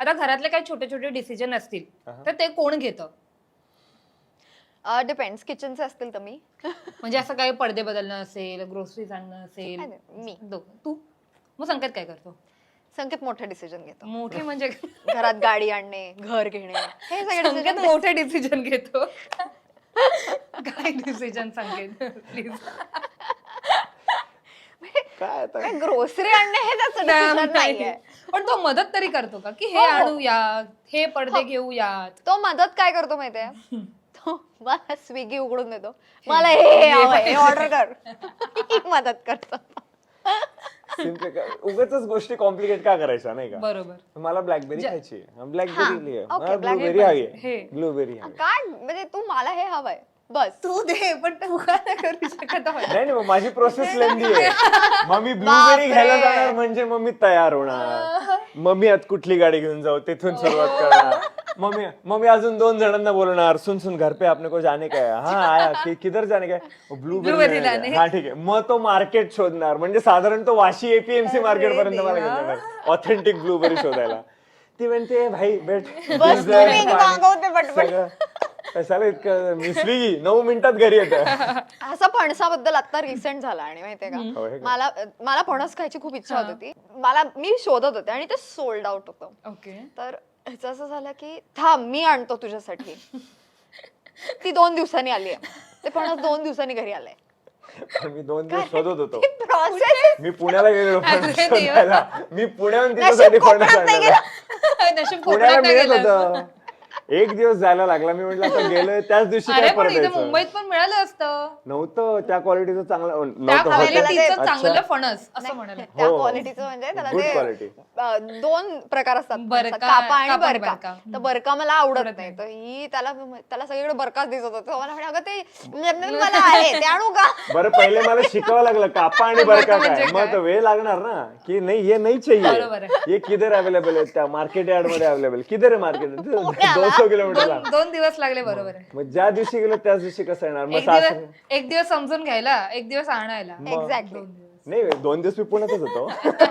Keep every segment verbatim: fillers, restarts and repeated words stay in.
आता घरातले काही छोटे छोटे डिसिजन असतील तर ते कोण घेतं? डिपेंड्स. किचनचे असतील तर मी. म्हणजे असं काही पडदे बदलणं असेल, ग्रोसरीज आणणं असेल, नाही, नाही, मी. दोघं. तू मग संकेत काय करतो? संकेत मोठे डिसिजन घेतो. मोठे म्हणजे घरात गाडी आणणे, घर घेणे, हे सगळे संकेत decision मोठे डिसिजन घेतो. काय डिसिजन संकेत प्लीज? काय आता काय ग्रोसरी आणणे हे त्याचं डिसिजन नाहीये. पण तो मदत तरी करतो का की हे आणूयात, हे पडदे घेऊयात? तो मदत काय करतो माहितीये, तो मला स्विगी उघडून देतो, मला हे हवंय, हे ऑर्डर कर. ही मदत करतो. सिम्पल उगाच गोष्टी कॉम्प्लिकेट का करायच्या नाही का? बरोबर. मला ब्लॅकबेरी खायची ब्लॅकबेरी okay, मला blackberry ब्लूबेरी हवी हे. आहे ब्लूबेरी हवी काय म्हणजे तू मला हे हवंय बस. तू दे पण तू का नाही करू शकत? नाही नाही मग माझी प्रोसेस लेंदी आहे. मग मी ब्लूबेरी घ्यायला जाणार म्हणजे मग मी तयार होणार, मग मी आता कुठली गाडी घेऊन जाऊ तिथून सुरुवात करणार, मग मी मग मी अजून दोन जणांना बोलणार, सुन सुन घर पे आपने को जाने का है, हाँ आया कि किधर जाने का है, ब्लूबेरी लाने, हा ठीक आहे. मग तो मार्केट शोधणार, म्हणजे साधारण तो वाशी एपीएमसी मार्केट पर्यंत मला घेऊन जाणार ऑथेंटिक ब्लूबेरी शोधायला. ती म्हणते भाई भेट बस तुम्ही मागवते पटपट. कशाला इतकं मी स्विगी नऊ मिनिटात घरी येतं. असं फणसाबद्दल आता रिसेंट झाला आणि माहितीये हो, हे का, का? मला मला फणस खायची खूप इच्छा होती. ती मला मी शोधत होते आणि ते सोल्ड आउट होतं. ओके. तर ह्याचं असं झालं की थांब मी आणतो तुझ्यासाठी. ती दोन दिवसांनी आली आहे, ते फणस दोन दिवसांनी घरी आलंय. पण मी दोन दिवस शोधत होतो. प्रोसेस मी पुण्याला गेलेलो फणस अरे देवा. शोधायला. मी पुण्याहून तिच्यासाठी फणस आणलेला. नशीब पुण्याला कोकणात नाही मिळत गेलं. होतं. एक दिवस जायला लागला. मी म्हटलं आता गेलोय त्याच दिवशी अरे काय पण इथे परत मुंबईत पण मिळालं असतं नव्हतं त्या क्वालिटीचं चांगलं त्या नव्हतं क्वालिटीचं अच्छा. चांगलं फणस असं म्हणाले. त्या हो. क्वालिटीचं म्हणजे त्याला Good ते quality. अं, दोन प्रकार असतात, बरका, कापा आणि कापा आणि बरका. बरका. तर बरका मला आवडत आवडत नाही, तर ही त्याला त्याला सगळीकडे बरकाच दिसत होता. तो मला म्हणे अगं ते मला आहे ते आणू का? बरं पहिले मला शिकावं लागलं कापा आणि बरका बरका म्हणजे काय. मग काय? तर वेळ लागणार ना की नाही ये नाही बरोबर आहे. चाहिए ये किधर अवेलेबल आहे त्या मार्केट यार्ड मध्ये अवेलेबल किधर आहे मार्केट दोनशे किलोमीटर दोन दोन दिवस लागले. बरोबर आहे. मग ज्या दिवशी गेलो त्याच दिवशी कसं येणार मग एक सासरे दिवस एक दिवस समजून घ्यायला, एक दिवस आणायला. मग- एक्झॅक्टली. नाही दोन दिवस मी पुण्यातच होतो.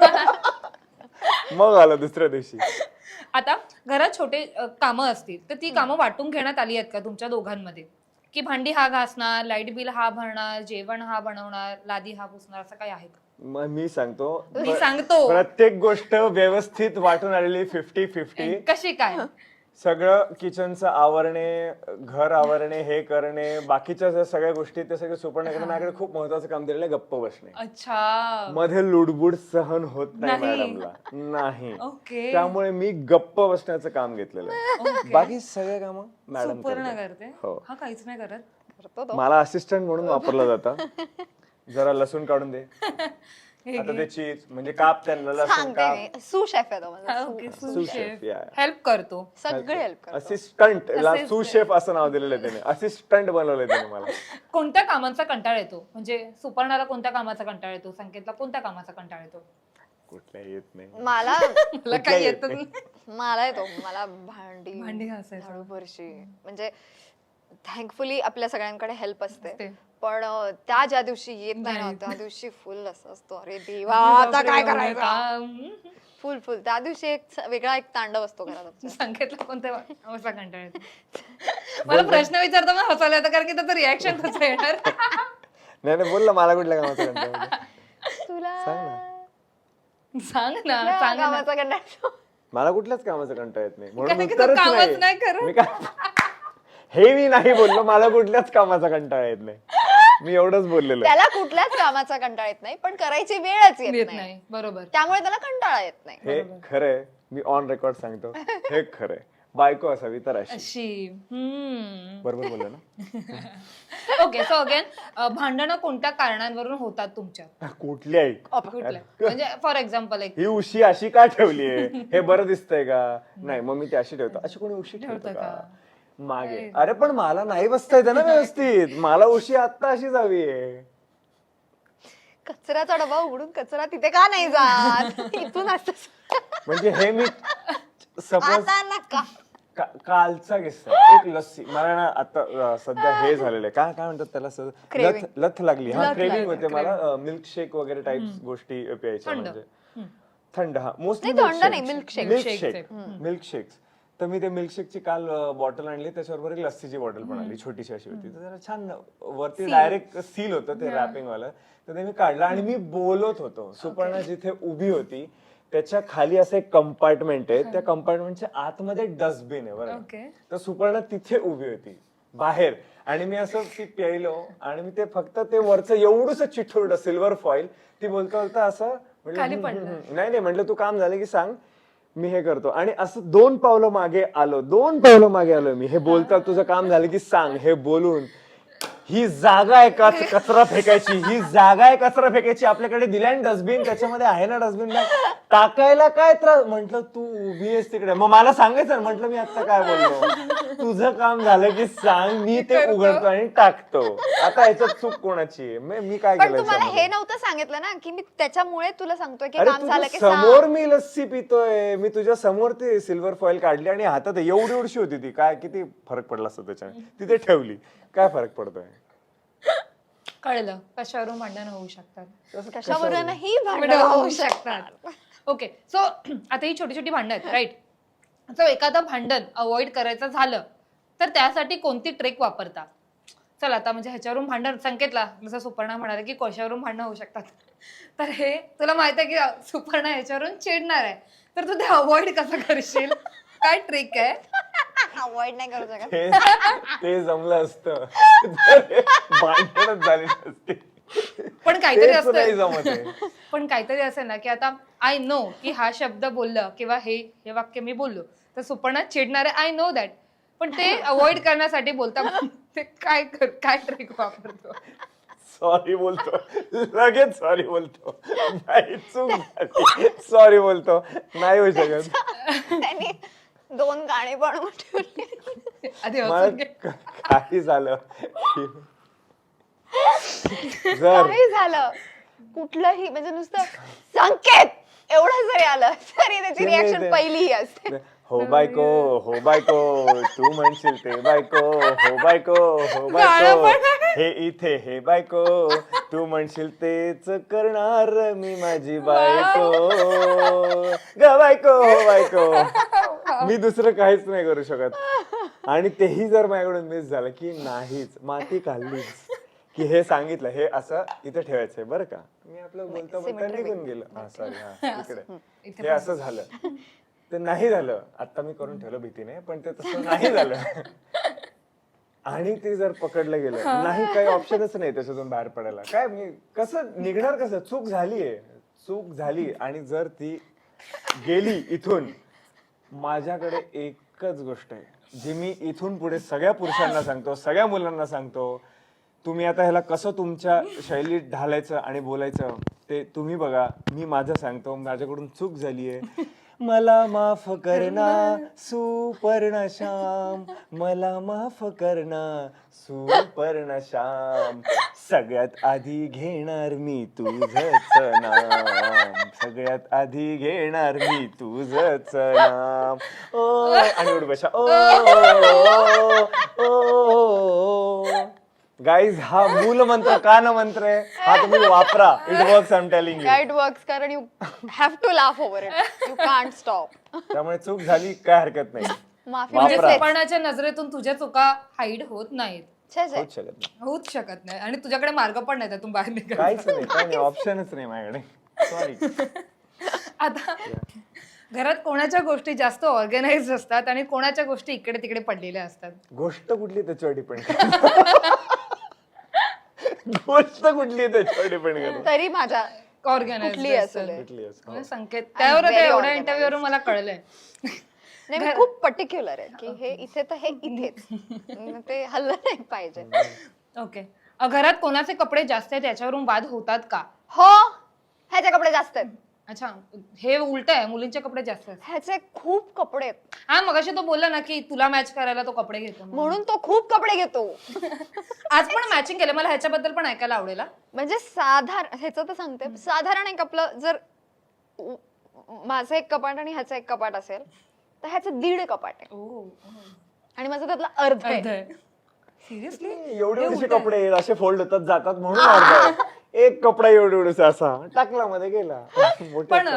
मग आलो दुसऱ्या दिवशी. आता घरात छोटे अ, कामं असतील तर ती कामं वाटून घेण्यात आली आहेत का तुमच्या दोघांमध्ये? की भांडी हा घासणार, लाईट बिल हा भरणार, जेवण हा बनवणार, लादी हा पुसणार, असं काही आहे का? मग मी सांगतो मी सांगतो प्रत्येक गोष्ट व्यवस्थित वाटून आलेली फिफ्टी फिफ्टी. कशी काय? सगळं किचनचं आवरणे, घर आवरणे, हे करणे, बाकीच्या ज्या सगळ्या गोष्टी ते सगळे सुपर्ण करणे. माझ्याकडे खूप महत्वाचं काम दिलेलं आहे गप्प बसणे. अच्छा. मध्ये लुडबुड सहन होत नाही नाही. मॅडमला. नाही ओके. त्यामुळे मी गप्प बसण्याचं काम घेतलेलं आहे. बाकी सगळे काम मॅडम सुपर्ण करते. हो. हा काहीच नाही करत. करतो तो. मला असिस्टंट म्हणून वापरलं जातं. जरा लसूण काढून दे, हे आता घे. ते चीज म्हणजे काप त्यांना लसूण सांगते काप. मी सू शेफ आहे तो माझा. हा, sous. Okay. Sous sous chef, chef yeah. Help करतो. सगळे हेल्प करतो. असिस्टंट ला Assistant. सू शेफ असं नाव दिलेलं आहे त्याने. असिस्टंट बनवलंय त्याने मला. कोणत्या कामांचा कंटाळा येतो? म्हणजे सुपर्णाला कोणत्या कामाचा कंटाळा येतो? संकेतला कोणत्या कामाचा कंटाळा येतो? कुठल्या येत नाही. मला मला काही येत नाही. मला येतो मला भांडी भांडी घासायचं. झाडू फरशी, म्हणजे थँकफुली आपल्या सगळ्यांकडे हेल्प असते. असते. पण अं, त्या ज्या दिवशी येत नाही ना नाही. त्या दिवशी फुल असं असतो, अरे देवा आता काय करायचं. काम. फुल फुल त्या दिवशी एक स- वेगळा एक तांडव असतो घरात आमच्या. संकेतला कोणत्या कामाचा कंटाळा येतो? मला प्रश्न विचारतो ना हसायला येतं कारण की त्याचं रिॲक्शन कसं येणार? नाही नाही बोल ना मला कुठल्या कामाचं कंटाळा येतो? तुला सांग ना. सांग ना, कुठल्या सांग ना. कामाचा कंटाळा येतो? मला कुठल्याच कामाचं कंटाळा येत नाही कारण म्हणून की तू उत्तरच कामच नाही. नाही करत. मी काय हे मी नाही बोललो मला कुठल्याच कामाचा कंटाळा येत नाही. मी एवढंच बोललेलो आहे. त्याला कुठल्याच कामाचा कंटाळा येत नाही, पण करायची वेळच येत येत नाही, नाही. बरोबर. त्यामुळे त्याला कंटाळा येत नाही. हे खरंय मी ऑन रेकॉर्ड सांगतो हे खरंय. बायको असावी तर अशी. अशी. हम्म. बरोबर बोललो ना? ओके सो अगेन भांडणं कोणत्या कारणांवरून होतात तुमच्या? कुठल्याही कुठल्या? म्हणजे फॉर एक्झाम्पल एक ही उशी अशी का ठेवलीये हे बरं दिसतंय का? नाही मग मी ती अशी ठेवतो. अशी कोणी उशी ठेवतं ठेवतं का का? मागे? अरे पण मला नाही बसता येतं ना व्यवस्थित. मला उशी आता अशी जावीये. कचऱ्याचा डबा उघडून कचरा तिथे का नाही जात? इथून असं म्हणजे हे मी सपोज आता नका. कालचा किस्सा एक लस्सी मला ना आता अं, सध्या हे झालेलं आहे काय काय म्हणतात त्याला स- Craving. लथ लथ लागली हा लथ क्रेविंग लागली, होते मला मिल्क शेक वगैरे टाइप गोष्टी प्यायच्या थंड. म्हणजे थंड हा मोस्टली नाही, थंड नाही, milkshake. Milkshake milkshakes. तर मी ते मिल्कशेकची काल बॉटल आणली, त्याच्याबरोबर एक लस्सीची बॉटल पण आणली, छोटीशी अशी होती. तर जरा छान वरती डायरेक्ट सील होतं ते रॅपिंग वाला. तर ते मी काढलं आणि मी बोलत होतो. सुपर्णा जिथे उभी होती त्याच्या खाली असं एक कंपार्टमेंट आहे, त्या कंपार्टमेंटच्या आतमध्ये डस्टबिन आहे बरं. Okay. तर सुपर्णा तिथे उभी होती बाहेर आणि मी असं ती प्यायलो आणि मी ते फक्त ते वरचं एवढंच चिठोरड सिल्वर फॉईल ती बोलता बोलता असं म्हटलं, खाली "हम्म, पडलं." हम्म, हम्म." नाही नाही म्हटलं तू काम झालं की सांग मी हे करतो. आणि असं दोन पावलं मागे आलो दोन पावलं मागे आलो मी, हे बोलता तुझं काम झालं की सांग हे बोलून. ही जागा आहे का कचरा फेकायची, ही जागा आहे कचरा फेकायची, आपल्याकडे दिलाय डस्टबिन, त्याच्यामध्ये आहे ना डस्टबिन, टाकायला काय त्रास. म्हंटल तू उभी आहेस तिकडे, मग मला सांगायचं. म्हंटल मी आता काय बोललो, तुझं काम झालं की सांग, मी ते उघडतो आणि टाकतो. आता याच्यात चूक कोणाची आहे, मी मी काय पण केलं तुम्हाला याच्यामध्ये? हे नव्हतं सांगितलं ना की मी त्याच्यामुळे तुला सांगतोय की अरे काम झालं की तुझ्या समोर सांग. मी लस्सी पितोय, मी तुझ्या समोर ते सिल्वर फॉईल काढली आणि हातात एवढी एवढीशी होती ती, काय किती फरक पडला असतो त्याच्याने, तिथे ठेवली, काय फरक पडतोय. कळलं कशावरून भांडण होऊ शकतात. कशावरूनही भांडण भांडणं होऊ होऊ शकतात. शकतात. ओके, सो आता ही छोटी छोटी भांडणं आहेत, राईट. सो एखादं भांडण अवॉइड करायचं झालं तर त्यासाठी कोणती ट्रिक वापरता? चल आता म्हणजे ह्याच्यावरून भांडण, संकेतला जसं सुपर्णा म्हणाले की कशावरून भांडणं होऊ शकतात, तर हे तुला माहित आहे की सुपर्णा ह्याच्यावरून चिडणार आहे, तर तू ते अवॉइड कसं करशील? काय ट्रिक आहे? अवॉइड नाही करू शकत. ते- ते जमलं असतं भांडणच झाली नसती. पण काहीतरी तेच नाही असतं, जमत आहे. पण काहीतरी असेल ना की आता आय नो की हा शब्द बोललं किंवा हे हे वाक्य मी बोललो तर सुपर्णा चिडणार आहे, आय नो दॅट. पण ते अवॉइड करण्यासाठी बोलता ते काय कर काय ट्रिक वापरतो? सॉरी बोलतो, लगेच सॉरी बोलतो, नाही चूक झाली, सॉरी बोलतो, नाही होऊ शकत. त्यांनी दोन गाणी बनवून ठेवली. आधी हसून घे. मला काही झालं जर काही झालं कुठलंही म्हणजे नुसतं संकेत एवढं जरी आलं तरी त्याची ते नाही रिॲक्शन ते. पहिली ही असते. हो बायको हो बायको तू म्हणशील ते बायको हो बायको हो गाणं बायको पण हे इथे हे बायको तू म्हणशील तेच करणार मी माझी बायको ग बायको हो बायको. मी दुसरं काहीच नाही करू शकत. आणि तेही जर माझ्याकडून मिस झालं की नाहीच माती खाल्लीच की हे सांगितलं हे असं इथे ठेवायचंय बरं का, मी आपलं बोलता बोलता निघून गेलो. हा सॉरी हा इकडे हे असं झालं ते नाही झालं. आता मी करून ठेवलं भीतीने, पण ते तसं नाही झालं. आणि ते जर पकडलं गेलं नाही, काही ऑप्शनच नाही त्याच्यातून बाहेर पडायला. काय मी कसं निघणार, कसं चूक झालीये चूक झाली. आणि जर ती गेली इथून, माझ्याकडे एकच गोष्ट आहे जी मी इथून पुढे सगळ्या पुरुषांना सांगतो, सगळ्या मुलांना सांगतो. तुम्ही आता ह्याला कसं तुमच्या शैलीत ढालायचं आणि बोलायचं ते तुम्ही बघा. मी माझं सांगतो, माझ्याकडून चूक झालीये, मला माफ करना सुपर्ण श्याम, मला माफ करना सुपर्ण श्याम, सगळ्यात आधी घेणार मी तुझंच नाम, सगळ्यात आधी घेणार मी तुझंच नाम. ओ आणि उठ बशा ओ ओ. गाईज हा मूल मंत्र कान मंत्र आहे, हा तुम्ही वापरा. It works, I am telling you. It works कारण you have to laugh over it, you can't stop. त्यामुळे चूक झाली काय हरकत नाही, माफी वापरा. म्हणजे सुपर्णाच्या नजरेतून तुझ्या चुका हाईड होत नाहीत, छे छे. होऊच शकत नाही, होऊच शकत नाही. आणि तुझ्याकडे मार्ग पण नाही त्यातून बाहेर निघायचा. काहीच नाही, काय नाही, ऑप्शनच नाही माझ्याकडे. सॉरी. आता घरात कोणाच्या गोष्टी जास्त ऑर्गनाइज असतात आणि कोणाच्या गोष्टी इकडे तिकडे पडलेल्या असतात? गोष्ट कुठली त्याच्यावर डिपेंड गोष्ट कुठली त्याच्यावर डिपेंड करत. तरी माझ्या ऑर्गनाइज कुठली असेल कुठली असं. म्हणजे संकेत त्यावर very एवढ्या organized. इंटरव्ह्यू वरून मला कळलंय. नाही मी खूप पर्टिक्युलर आहे की हे इथे तर हे इथेच, मग ते हल्लं नाही पाहिजे. ओके, घरात कोणाचे कपडे जास्त आहेत याच्यावरून वाद होतात का? हो ह्याचे कपडे जास्त आहेत. अच्छा, हे उलट आहे, मुलींचे कपडे जास्त आहेत. ह्याचे खूप कपडे आहेत हा मगाशी तो बोलला ना की तुला मॅच करायला तो कपडे घेतो म्हणून. म्हणून तो खूप कपडे घेतो. आज पण मॅचिंग केलं, मला ह्याच्याबद्दल पण ऐकायला आवडेल. हा. म्हणजे साधारण ह्याचं तर सांगते, साधारण एक आपलं जर उ- माझं एक कपाट आणि ह्याचं एक कपाट असेल तर ह्याचं दीड कपाट आहे ओ, आणि माझं त्यातलं अर्ध आहे. सिरियसली एवढे एवढे कपडे असे फोल्ड होतात जातात म्हणून अर्धा आहे. एक कपडा एवढे एवढे असा टाकला मध्ये गेला. मोठा पण कपडा.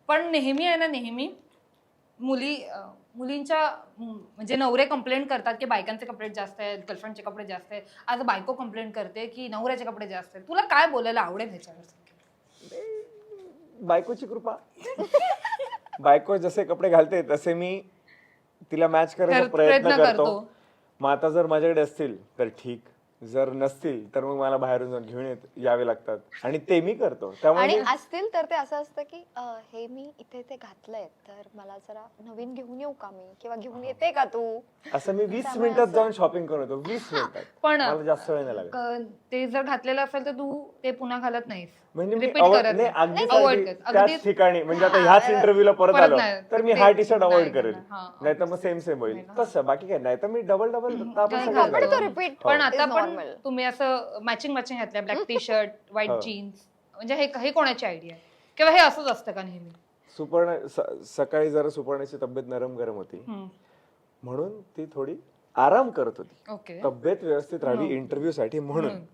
पण नेहमी आहे ना नेहमी मुली अं, मुलींच्या म, म्हणजे नवरे कंप्लेंट करतात की बायकांचे कपडे जास्त आहेत, गर्लफ्रेंडचे कपडे जास्त आहेत. आज बायको कंप्लेंट करते की नवऱ्याचे कपडे जास्त आहेत. तुला काय बोलायला आवडेल ह्याच्यावर? बायकोची कृपा. बायको जसे कपडे घालते तसे मी तिला मॅच करायचा कर- प्रयत्न प्रयत्न करतो. करतो. मग आता जर माझ्याकडे असतील तर ठीक, जर नसतील तर मग मला बाहेरून जाऊन घेऊन येत यावे लागतात आणि ते मी करतो. त्यामुळे आणि मी- असतील तर ते असं असतं की अं, हे मी इथे ते घातलंय तर मला जरा नवीन घेऊन येऊ का मी, किंवा घेऊन येते का तू? असं मी वीस त्यामुळे मिनिटात असं- जाऊन शॉपिंग करून येतो. वीस मिनिटात. पण मला जास्त वेळ नाही लागत. क- ते जर घातलेलं असेल तर तू ते पुन्हा घालत नाहीस, म्हणजे मी रिपीट avoid- करत नाही, नाही. अगदीच Avoid अगदी कर. त्याच अगदीच ठिकाणी म्हणजे आता ह्याच इंटरव्ह्यूला परत परत आलो नाही. तर मी ते- हा टी शर्ट नाही अवॉइड करेल, करणार. हा, नाही तर मग सेम सेम होईल. नाही ना. तसं बाकी काय नाही तर मी डबल डबल आपण हा, पण तो रिपीट पण आता पण नॉर्मल. तुम्ही असं मॅचिंग मॅचिंग घातलंय, ब्लॅक टी शर्ट व्हाईट हो. जीन्स, म्हणजे हे हे कोणाची आयडिया किंवा हे असंच असतं का नेहमी? सुपर्ण स- सकाळी जरा सुपर्णाची तब्येत नरम गरम होती हम्म. म्हणून ती थोडी आराम करत होती, ओके. तब्येत व्यवस्थित राहावी इंटरव्ह्यू साठी म्हणून. म्हणून.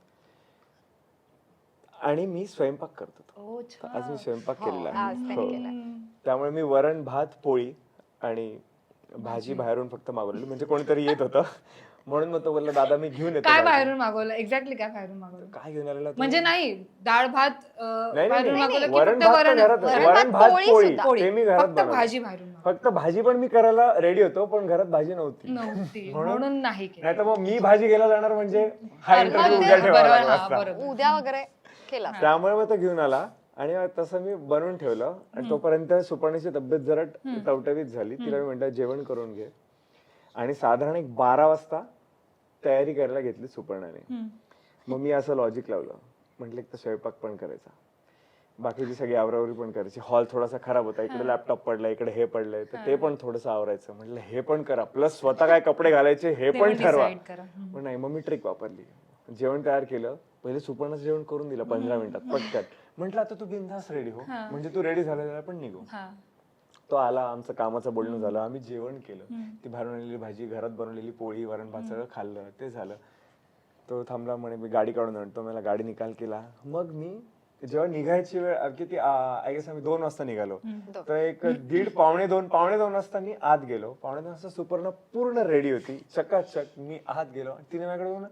आणि मी स्वयंपाक करत होतो. ओ, छान. आज मी स्वयंपाक केलेला आज आहे. त्याने हो. केलाय. त्यामुळे मी वरण भात पोळी आणि भाजी बाहेरून फक्त मागवलेली, म्हणजे कोणीतरी येत होतं म्हणून मग तो बोलला दादा मी घेऊन येतो. काय भाजी." बाहेरून मागवलं? एक्झॅक्टली काय बाहेरून मागवलं? काय घेऊन आलेला तू? म्हणजे नाही डाळ भात अं, नाही, नाही, बाहेरून नाही. मागवलं की वरण फक्त भात वरण तर घरात- वरण वरण भात, भात पोळी पोळी सुद्धा. पोळी. ते मी घरात फक्त बनवलं. भाजी बाहेरून मागवली. फक्त भाजी पण मी करायला रेडी होतो पण घरात भाजी नव्हती. नव्हती म्हणून- म्हणून नाही केलं. नाही तर मग मी भाजी घ्यायला जाणार म्हणजे हा अरे, इंटरव्ह्यू मग उद्या ते- ठेवावा बरोबर, लागला हा, असता. बरोबर. उद्या वगैरे केला. त्यामुळे मग तो घेऊन आला आणि मग तसं मी बनवून ठेवलं आणि तोपर्यंत सुपर्णीची तब्येत जरा टवटवीत झाली. तिला मी म्हटलं जेवण करून घे आणि साधारण एक बारा वाजता तयारी करायला घेतली सुपर्णाने. हम्म. मग मी असं लॉजिक लावलं, म्हटलं एक तर स्वयंपाक पण करायचा, बाकीची सगळी आवरावरी पण करायची. हॉल थोडासा खराब होता, इकडे लॅपटॉप पडला, इकडे हे पडलंय, तर ते पण थोडंसं आवरायचं. म्हटलं हे पण करा, प्लस स्वतः काय कपडे घालायचे हे ते पण पण ठरवा. decide करा. हम्म. पण नाही, मग मी ट्रिक वापरली. जेवण तयार केलं, पहिले सुपर्णाचं जेवण करून दिलं पंधरा मिनिटात पटकन. म्हटलं आता तू बिनधास्त रेडी हो, म्हणजे तू रेडी झालेला पण निघू. हा. तो आला, आमचं कामाचं बोलणं झालं, आम्ही जेवण केलं, ती बाहेरून आणलेली भाजी, घरात बनवलेली पोळी, वरण भात सगळं खाल्लं, ते झालं. तो थांबला, म्हणे मी गाडी काढून आणतो. मला गाडी निकाल केला. मग मी जेव्हा निघायची वेळ किती आय गेस आम्ही दोन वाजता निघालो, तर एक दीड पावणे दोन पावणे दोन वाजता मी आत गेलो. पावणे दोन वाजता सुपर्ण पूर्ण रेडी होती, चकाचक. मी आत गेलो आणि तिने माझ्याकडे बघून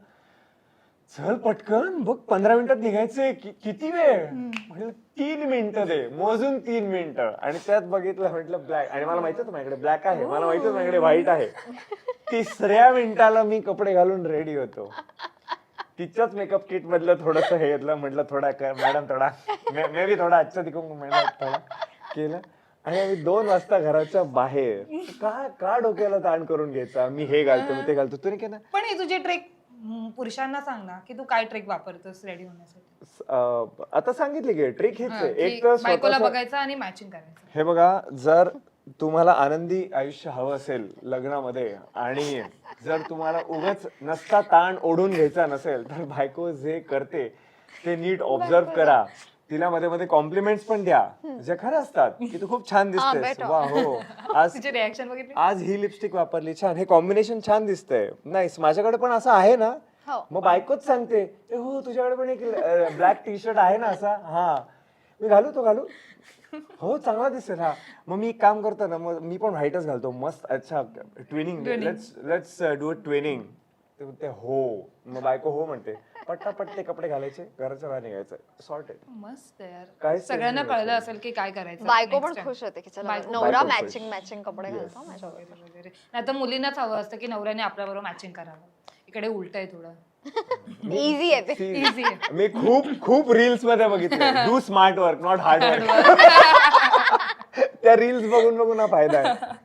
चल पटकन बघ पंधरा मिनिटात निघायचंय, कि- किती वेळ? म्हटलं तीन मिनिटं दे, मोजून तीन मिनिटं. आणि त्यात बघितलं, म्हटलं ब्लॅक, आणि मला माहिती होतं माझ्याकडे ब्लॅक आहे, मला माहिती होतं माझ्याकडे व्हाईट आहे. तिसऱ्या मिनिटाला मी कपडे घालून रेडी होतो. तिच्याच मेकअप किट मधलं थोडस हे घेतलं, म्हटलं थोडा कर मॅडम, थोडा मे बी थोडा आजच्या तिकडून मॅडम थोडा केलं. आणि आम्ही दोन वाजता घराच्या बाहेर. का का डोक्याला ताण करून घ्यायचा, मी हे घालतो मी ते घालतो. तुम्ही काय ना पण ही तुझी ट्रेक पुरुषांना सांग ना की तू काय ट्रेक वापरतोस रेडी होण्यासाठी. अं, आता सांगितली की ट्रिक हीच हा, आहे. की एक तर बायकोला स्वतःचं- बघायचं आणि मॅचिंग करायचं. हे बघा, जर तुम्हाला आनंदी आयुष्य हवं असेल लग्नामध्ये आणि जर तुम्हाला उगाच नसता ताण ओढून घ्यायचा नसेल, तर बायको जे करते ते नीट ऑब्झर्व करा. तिला मध्ये मध्ये कॉम्प्लिमेंट्स पण द्या, जे खरं असतात की तू खूप छान दिसतेस, बेटा. वा हो, आज तिचे रिॲक्शन बघितली. आज ही लिपस्टिक वापरली, छान, हे कॉम्बिनेशन छान दिसतंय, नाही माझ्याकडे पण असं आहे ना. हो. मग बायकोच सांगते, "ए हो तुझ्याकडे पण एक ब्लॅक टी शर्ट आहे ना असा, हा मी घालू, तो घालू, हो चांगला दिसेल हा." मग मी एक काम करतो ना, मग मी पण व्हाईटच घालतो मस्त. अच्छा twinning, let's let's do twinning. ते हो, मग बायको हो म्हणते, पट्टापट ते कपडे घालायचे, घराच्या बाहेर निघायचं, सॉर्टेड. मस्त यार, काहीच सगळ्यांना tension कळलं नसेल. असेल की काय करायचं. बायको next पण time. खुश होते की चला बायको- नवरा बायको खुश. मॅचिंग मॅचिंग कपडे घालतो माझ्यावर. वगैरे. नाही तर मुलींनाच हवं असतं की नवऱ्याने आपल्याबरोबर मॅचिंग करावं. इकडे उलट आहे थोडं. इझी आहे ते. See, इझी आहे. मी खूप खूप रील्स मध्ये बघितले, do smart work not hard work. त्या रील्स बघून बघून हा फायदा आहे.